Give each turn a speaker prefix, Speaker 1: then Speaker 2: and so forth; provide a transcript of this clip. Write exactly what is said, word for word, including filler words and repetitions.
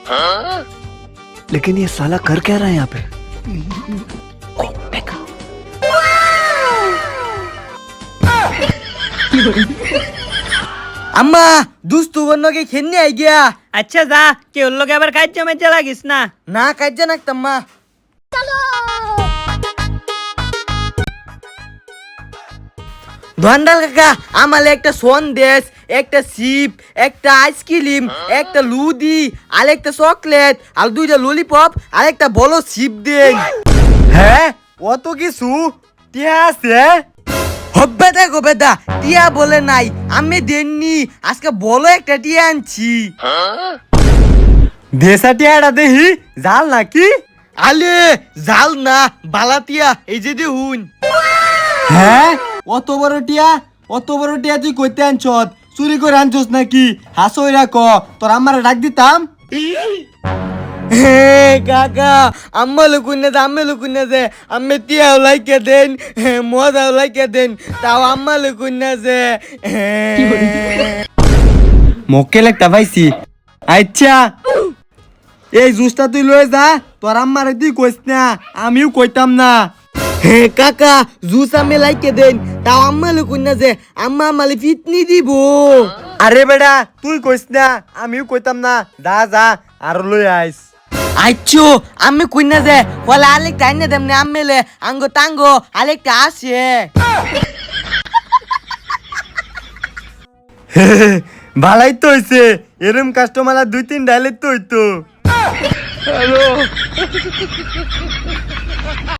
Speaker 1: लेकिन ये साला कर क्या रहा है यहाँ पे?
Speaker 2: अम्मा দুস্তু বন্যকে খেলনে আই গিয়া।
Speaker 3: আচ্ছা যা কেউ লোক আবার কাজ মেজে লাগিস না।
Speaker 2: না কাজে নাকতাম্মা। ধন্ডাল কাকা আমালে একটা সন্দেশ, একটা সিপ, একটা আইসক্রিম, একটা লুদি, আর একটা চকলেট, আর দুইটা ললিপপ, আর একটা বড় সিপ দেন।
Speaker 4: হ্যাঁ অত কিছু টিয়া আছে?
Speaker 2: হব্বে দেখো বেদা, টিয়া বলে নাই, আমি দেননি, আজকে বলো একটা টিয়া আনছি।
Speaker 4: দেশা টিয়াটা দেখি জাল নাকি?
Speaker 2: আলে জাল না, বালা টিয়া, এই যে দেখুন।
Speaker 4: হ্যাঁ অত বড় টিয়া, অত বড় টিয়া তুই কইতে আনছত? চুরি করে আনছস নাকি? হাসইরা ক, তোর আমার ডাক দিতাম।
Speaker 2: হে কাকা, আম্মা লুকুনে দে, আম্মা লুকুনে দে, আম্মে টিয়াও লাইকে দেন, মজাও লাইকে দেন, তাও আম্মা লুকুনে দে।
Speaker 4: মক্কেল একটা পাইছি। আচ্ছা এই জুসটা তুই লয়ে যা, তোর আম্মারে তুই কইস না, আমিও কইতাম না।
Speaker 2: হে কাকা, জুস আমি লাইকে দেন, তাও আম্মা লুকুনে দে, আম্মা আমালে ফিটনি দিব।
Speaker 4: আরে বেটা তুই কইস না, আমিও কইতাম না, যা যা আর লই আইস।
Speaker 2: আচ্ছো আমি কুইনা দে, বলে আলেকটা আইনে দেমনে আম্মেলে, আঙ্গো তাঙ্গো আলেকটা আসে।
Speaker 4: ভালাই তো হইছে, এরম কাস্টমার দুই তিন ডাইলে তো হইতো।